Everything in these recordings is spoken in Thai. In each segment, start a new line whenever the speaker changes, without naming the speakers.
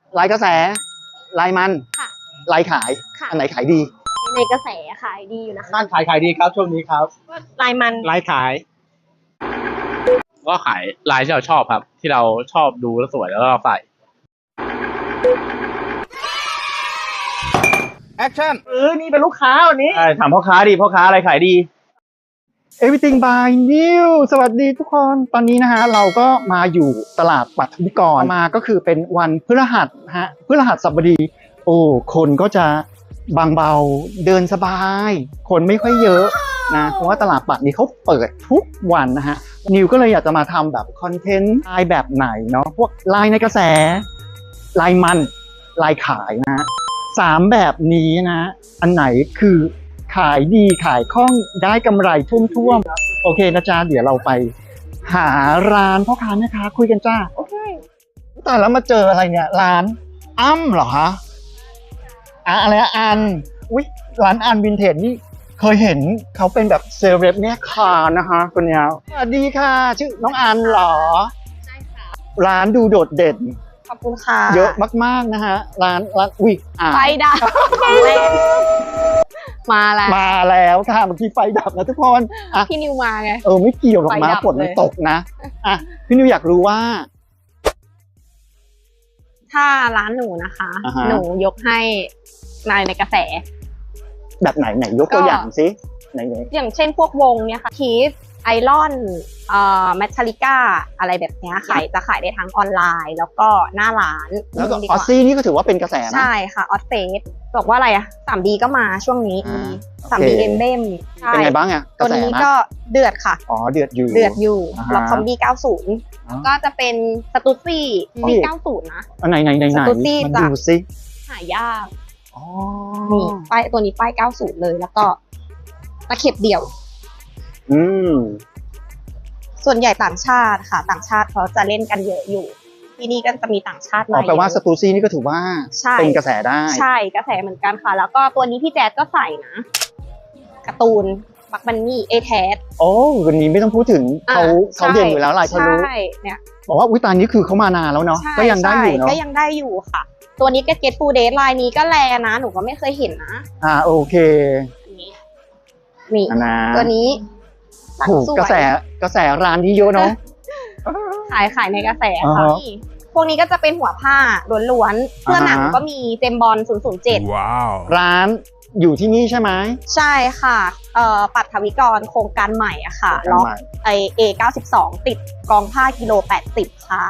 ลายกระแสลายมัน
ค่ะ
ลายขาย
ค่ะ
อันไหนขายดี
ในกระแสขายดีอยู่นะคะ
บ้านขายดีครับช่วงนี้ครับ
ลายมัน
ลายขายก็ขายลายที่เราชอบครับ ที่เราชอบดูแล้วสวยแล้วเราใส่แอคชั่นนี่เป็นลูกค้าวันนี้ถามพ่อค้าดิพ่อค้าอะไรขายดี
Everything by New สวัสดีทุกคนตอนนี้นะฮะเราก็มาอยู่ตลาดปัทวิกรมาก็คือเป็นวันพฤหัสฮะพฤหัสบดีโอ้คนก็จะบางเบาเดินสบายคนไม่ค่อยเยอะนะเพราะว่าตลาดปัดนี้เขาเปิดทุกวันนะฮะนิวก็เลยอยากจะมาทำแบบคอนเทนต์ลายแบบไหนเนาะพวกลายในกระแสลายมันลายขายนะฮะ3แบบนี้นะอันไหนคือขายดีขายคล่องได้กำไรท่วมๆโอเคนะจ๊ะเดี๋ยวเราไปหาร้านพ่อค้าแม่ค้าคุยกันจ้าโอเคแต่แล้วมาเจออะไรเนี่ยร้านอ้ำเหรอฮะอะไรอันอุ๊ยร้านอันวินเทจนี่เคยเห็นเขาเป็นแบบเซเลบเนี่ยคานะคะคนเนี้ยสวัสดีค่ะชื่อน้องอันเหรอ
ใช่ค่ะ
ร้านดูโดดเด่น
ขอบคุณค่ะ
เยอะมากๆนะฮะร้านอุ๊ย
ไฟดับมา
แล้วค่ะเมื่อกี้ไฟดับนะทุกคนอ่ะ
พี่นิวมาไง
ไม่เกี่ยวหรอกนะฝนมันตกนะอ่ะพี่นิวอยากรู้ว่า
ถ้าร้านหนูนะคะ หนูยกให้ลายในกระแส
แบบไหนยกตัวอย่างสิไหน
อย่างเช่นพวกวงเนี่ยค่ะคีสไอรอนแมทลิก้าอะไรแบบนี้จะขายได้ทั้งออนไลน์แล้วก็หน้าร้าน
แล้วก็ออสซี่นี่ก็ถือว่าเป็นกระแสนะ
ใช่ค่ะออสเฟสบอกว่าอะไรอะ 3D ก็มาช่วงนี้ 3D เอ็มเบม
เป็นไงบ้างอะ
ตัวนี้ก็เดือดค่ะ
เดือดอยู่
แล้วคอมบี้90แล้วก็จะเป็นสตูซี่ปี90นะ
ไหน
สตูซี่
มาดูสิ
หายากนี่ป้ายตัวนี้ป้าย90เลยแล้วก็ตะเข็บเดี่ยวส่วนใหญ่ต่างชาติค่ะต่างชาติเขาจะเล่นกันเยอะอยู่ที่นี่ก็จะมีต่างชาติมา
แปลว่าสตูซี่นี่ก็ถือว่าเป็นกระแสได้
ใช่กระแสเหมือนกันค่ะแล้วก็ตัวนี้พี่แจ๊ดก็ใส่นะการ์ตูนบักบันนี่เอแทส
วันนี้ไม่ต้องพูดถึงเขาเด่นอยู่แล้วลายทะลุ
เนี่ย
บอกว่าตอนนี้คือเขามานานแล้วเนาะก็ยังได้อยู่เนาะ
ก็ยังได้อยู่ค่ะตัวนี้ก็เก็ตฟูเดทลายนี้ก็แลนะหนูก็ไม่เคยเห็นนะ
โอเค
นี่ตัวนี้
ถูกกระแสร้านนี้เยอะเนาะ
ขายในกระแสค่ะพวกนี้ก็จะเป็นหัวผ้าล้วนๆเสื้อหนังก็มีเจมบอล007
ว้าวร้านอยู่ที่นี่ใช่ไหม
ใช่ค่ะปัทวิกรโครงการใหม่อะค่ะล็อกA92ติดกองผ้ากิโล80ค่ะ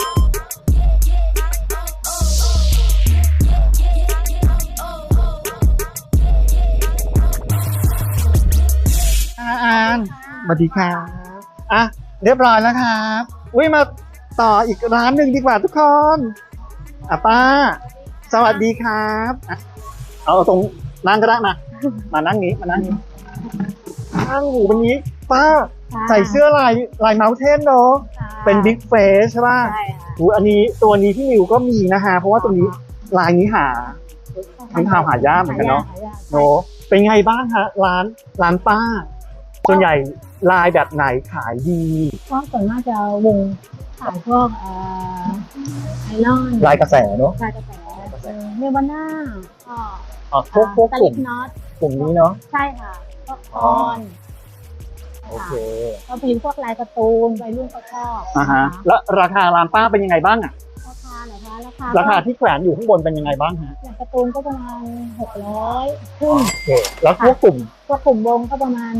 สวัสดีครับเรียบร้อยแล้วครับมาต่ออีกร้านหนึ่งดีกว่าทุกคนป้าสวัสดีครับเอาตรงนั่งก็ได้มานั่งนี้นั่งหูวันนี้ป้าใส่เสื้อลายเมาส์เทนเนาะเป็นบิ๊กเฟสใช่ป่ะอันนี้ตัวนี้ที่นิวก็มีนะฮะเพราะว่าตัวนี้ลายนี้หาทั้งทางหายากเหมือนกันเนาะเป็นไงบ้างฮะร้านป้าส่วนใหญ่ลายแบบไหนขายดี
ก็ส่วนมากจะวงขายพวกไอรอน
ลายกระแสเนาะ
ลายกระแสเนวาน่า
พวกกลุ่มนี้เนาะ
ใช่ค่ะพวกออน
โอเค
ก็เป็นพวกลายการ์ตูนวัยรุ่นเขาชอบ
แล้วราคาร้านป้าเป็นยังไงบ้างอะ
ราคาเหรอคะ
ราคาที่แขวนอยู่ข้างบนเป็นยังไงบ้างฮะ
อย่างการ์ตูนก็ประมาณ600ขึ้น
โอเคแล้วพวกกลุ่ม
วงก็ประมาณ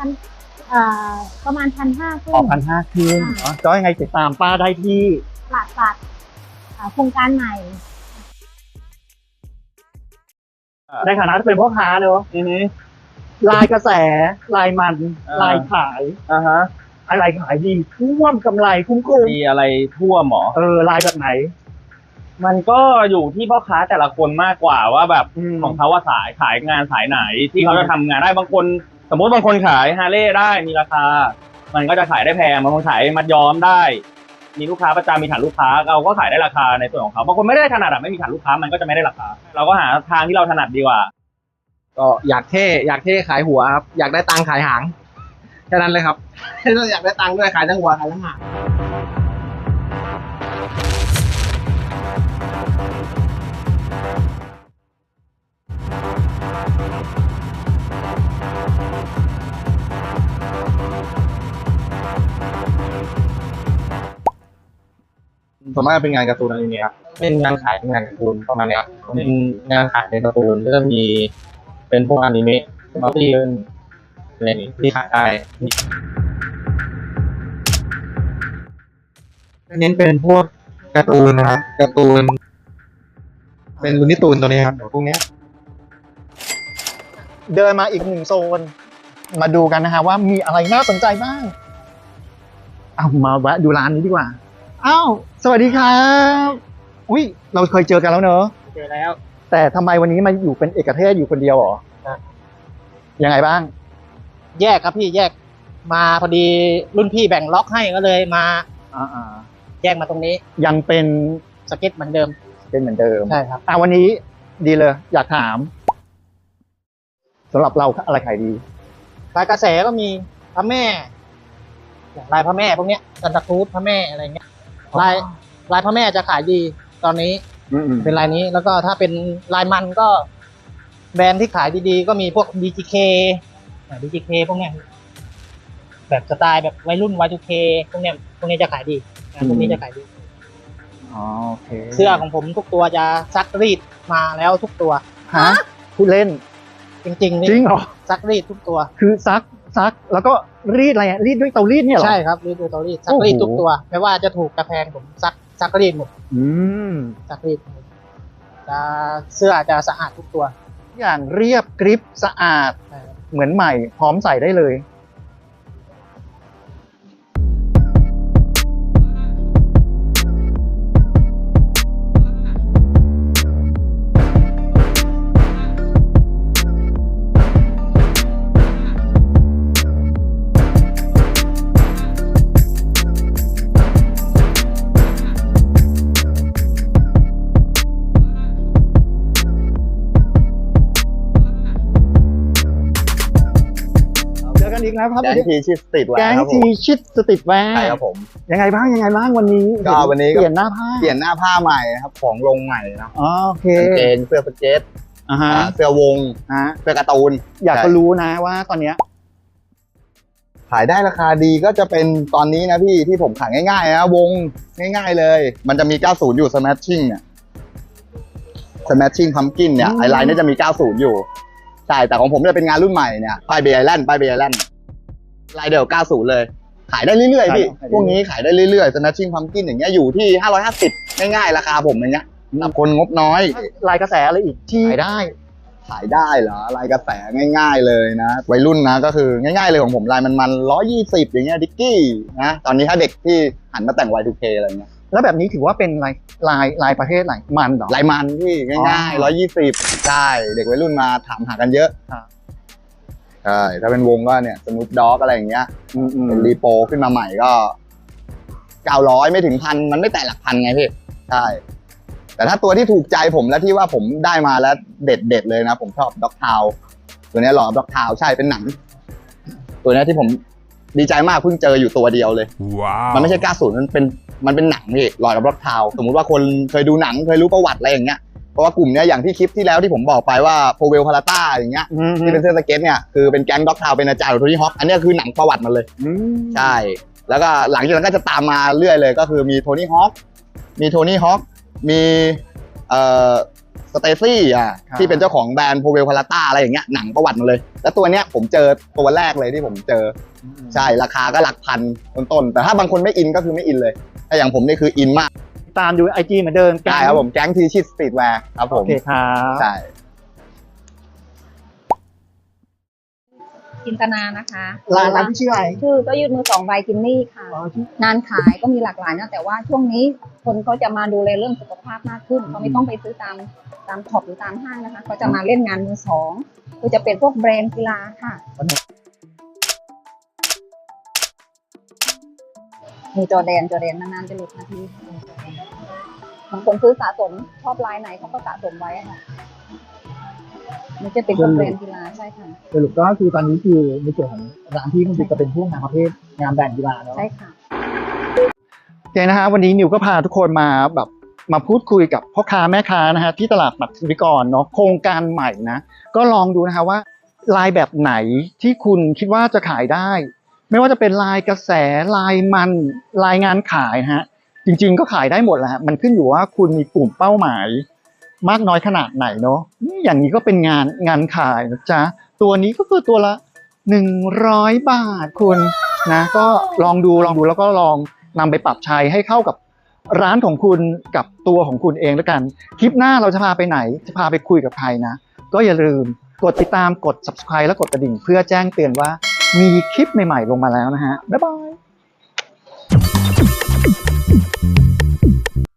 1,500ขึ้น
1,500ขึ้นก็ยังไงติดตามป้าได้ที่
ตลาดปัดโครงการใหม่
ในฐานะที่เป็นพ่อค้าเนอะลายกระแสลายมันลายขายอะไรขายดีท่วมกำไรคุ้ม
มีอะไรท่วมหรอ
ลายแบบไหน
มันก็อยู่ที่พ่อค้าแต่ละคนมากกว่าว่าแบบของเขาว่าขายงานสายไหนที่เขาจะทำงานได้บางคนสมมติบางคนขายฮาร์เลย์ได้มีราคามันก็จะขายได้แพงบางคนขายมัดย้อมได้มีลูกค้าประจำมีฐานลูกค้าเราก็ขายได้ราคาในส่วนของเขาบางคนไม่ได้ถนัดไม่มีฐานลูกค้ามันก็จะไม่ได้ราคาเราก็หาทางที่เราถนัดดีกว่า
ก็อยากเท่ขายหัวครับอยากได้ตังค์ขายหางแค่นั้นเลยครับเราอยากได้ตังค์ด้วยขายทั้งหัวขายทั้งหางวนมากเป็นงานการ์ตูนอนิเมะครับเป็นงานขายงานการ์ตูนประมาณเนี้ยเป็นงานขายในการ์ตูนก็จะมีเป็นพวกอนิเมะมัลติอะไรอย่างงี้ที่ขายได้เน้นเป็นพวกการ์ตูนนะครับการ์ตูนเป็นลูนิตูนตัวนี้ครับพวกเนี้ย
เดินมาอีกหนึ่งโซน มาดูกันนะฮะว่ามีอะไรน่าสนใจบ้างเอามาแวะดูร้านนี้ดีกว่าอ้าวสวัสดีครับอุ้ยเราเคยเจอกันแล้วเนอะ
เจอแล้ว
แต่ทำไมวันนี้มาอยู่เป็นเอกเทศอยู่คนเดียวเหรอ
ครับ
ยังไงบ้าง
แยกครับพี่แยกมาพอดีรุ่นพี่แบ่งล็อกให้ก็เลยมา
อ่า
แยกมาตรงนี้
ๆยังเป็น
สเก็ตเหมือนเดิม
เป็นเหมือนเดิม
ใช่ครับ
วันนี้ดีเลย อยากถามสำหรับเราอะไรขายดี
ลายกระแสก็มีพระแม่อย่างลายพระแม่พวกเนี้ยซันตาครูซพระแม่อะไรเงี้ยลายพระแม่จะขายดีตอนนี้
อืม
เป็นลายนี้แล้วก็ถ้าเป็นลายมันก็ แบรนด์ที่ขายดีๆ ก็มีพวก DGK DGK พวกเนี้ยแบบสไตล์แบบวัยรุ่น Y2K พวกเนี้ยจะขายดีพวกนี้จะขายดี
อ๋อโอเค
เสื้อของผมทุกตัวจะซักรีดมาแล้วทุกตัว
ฮะพูดเล่น
จริงๆนี่
จริงเหรอ
ซักรีดทุกตัว
คือซักแล้วก็รีดอะไรอะรีดด้วยเตารีดเนี่ยเหรอ
ใช่ครับรีดดูเตารีดซัก
โอ้โห
รีดทุกตัวไม่ว่าจะถูกกระแพงผมซักรีดหมด
อืม
ซักรีดหมดจะเสื้อจะสะอาดทุกตัว
อย่างเรียบกริบสะอาด
ใช่ครับ
เหมือนใหม่พร้อมใส่ได้เลย เจอกันอีกแล้วครับ
แก๊งทีชิดสตรีทแว
แก๊
ร์
ง
ครับผ
ที
ม
ชิดสติดแวร์
ใช่ครับผม
ยังไงบ้างวันนี้
ก็วันนี้ก็
เปลี่ยนหน้าผ้า
เปลี่ยนหน้าผ้าใหม่นะครับของลงใหม่นะ
อ๋อโอเค
กางเกงเสื้อสเก็ต
อ่าฮะ
เสื้อวง
ฮะ
เสื้อการ์ตูน
อยากจะรู้นะว่าตอนเนี้ย
ขายได้ราคาดีก็จะเป็นตอนนี้นะพี่ที่ผมขายง่ายๆนะวงง่ายๆเลย มันจะมี 90 อยู่ Smashing เนี่ย Smashing Pumpkin เนี่ย
อืม
ไอไลน์เนี่ยจะมี 90 อยู่ ใช่ แต่ของผมจะเป็นงานรุ่นใหม่เนี่ยป้ายเบย์ไอแลนด์ลายเดียว 90 เลย ขายได้เรื่อยๆพี่ พวกนี้ขายได้เรื่อยๆ Smashing Pumpkin อย่างเงี้ยอยู่ที่ 550 ง่ายๆราคาผมอย่างเงี้ยสำหรับคนงบน้อย
ลายกระแสอะไรอีกที่ขายได้
ขายได้เหรอลายกระแสง่าย ๆเลยนะวัยรุ่นนะก็คือง่ายๆเลยของผมลายมัน120อย่างเงี้ยดิกกี้นะตอนนี้ถ้าเด็กที่หันมาแต่ง Y2K อะไรเงี้ย
แล้วแบบนี้ถือว่าเป็นลายประเภทอะไรมันเหรอ
ลายมันที่ง่าย
อ๋อ
ๆ120ใช่เด็กวัยรุ่นมาถามหากันเยอะ
ครับ
ใช่ถ้าเป็นวงก็เนี่ยสนุปด็อกอะไรอย่างเงี้ยเป็นรีโปขึ้นมาใหม่ก็900ไม่ถึงพันมันไม่แตะหลักพันไงพี่ใช่แต่ถ้าตัวที่ถูกใจผมและที่ว่าผมได้มาแล้วเด็ดเลยนะผมชอบด็อกทาวตัวนี้หล่อด็อกทาวใช่เป็นหนัง ตัวนี้ที่ผมดีใจมากเพิ่งเจออยู่ตัวเดียวเลย มันไม่ใช่90มันเป็นหนังพี่หล่อด็อกทาวสมมุติว่าคนเคยดูหนังเคยรู้ประวัติอะไรอย่างเงี้ยเพราะว่ากลุ่มเนี้ยอย่างที่คลิปที่แล้วที่ผมบอกไปว่าโพเวลพาราต้าอย่างเงี้ยที่เป็นเสื้อสเก็ตเนี่ยคือเป็นแก๊งด็อกทาวเป็นอาจารย์ของโทนี่ฮอคอันเนี้ยคือหนังประวัติมันเลย ใช่ แล้วก็หลังจากนั้นก็จะตามมาเรื่อยเลยก็คือมีโทนี่ฮอคมีสเตซี่ที่เป็นเจ้าของแบรนด์โพเวลพาราต้าอะไรอย่างเงี้ยหนังประวัติมาเลย แล้วตัวเนี้ยผมเจอตัวแรกเลยที่ผมเจอใช่ราคาก็หลักพันต้นๆแต่ถ้าบางคนไม่อินก็คือไม่อินเลยแต่อย่างผมนี่คืออินมาก
ตามดูไอจีเหมือนเดิม
ใช่ครับผมแก๊งทีชิดสตรีทแวร์ครับผ
โอ
ม
เคครับ
ใช่
จินตนานะคะ
ร้านที่ชื่ออะไร
ชื่อก็ยืดมือ2ใบกินนี่ค่ะงานขายก็มีหลากหลายนะแต่ว่าช่วงนี้คนเขาจะมาดูแลเรื่องสุขภาพมากขึ้นเขาไม่ต้องไปซื้อตามท็อปหรือตามห้างนะคะเขาจะมาเล่นงานมือสองคือจะเป็นพวกแบรนด์กีฬาค่ะมีจอแดนนานๆจะหลุดนาทีบางคนซื้อสะสมชอบลายไหนเขาก็สะสมไว้อะค่ะมันจะเป็นพวกแบรนด์กีฬาใช่ค่ะ
สรุปก็คือตอนนี้คือในส่วนของร้านที่คุณจะเป็นพวกงานประเภทงานแบ่งกีฬาเนาะ
ใช่ค่ะ
โอเคนะฮะวันนี้นิวก็พาทุกคนมาพูดคุยกับพ่อค้าแม่ค้านะฮะที่ตลาดปัทวิกรเนาะโครงการใหม่นะก็ลองดูนะคะว่าลายแบบไหนที่คุณคิดว่าจะขายได้ ไม่ว่าจะเป็นลายกระแสลายมันลายงานขายนะฮะจริงๆก็ขายได้หมดแหละฮะมันขึ้นอยู่ว่าคุณมีกลุ่มเป้าหมายมากน้อยขนาดไหนเนาะนี่อย่างนี้ก็เป็นงานขายนะจ๊ะตัวนี้ก็คือตัวละ100 บาทคุณนะก็ลองดูแล้วก็ลองนำไปปรับใช้ให้เข้ากับร้านของคุณกับตัวของคุณเองแล้วกันคลิปหน้าเราจะพาไปไหนจะพาไปคุยกับใครนะก็อย่าลืมกดติดตามกด subscribe และกดกระดิ่งเพื่อแจ้งเตือนว่ามีคลิปใหม่ๆลงมาแล้วนะฮะบ๊ายบาย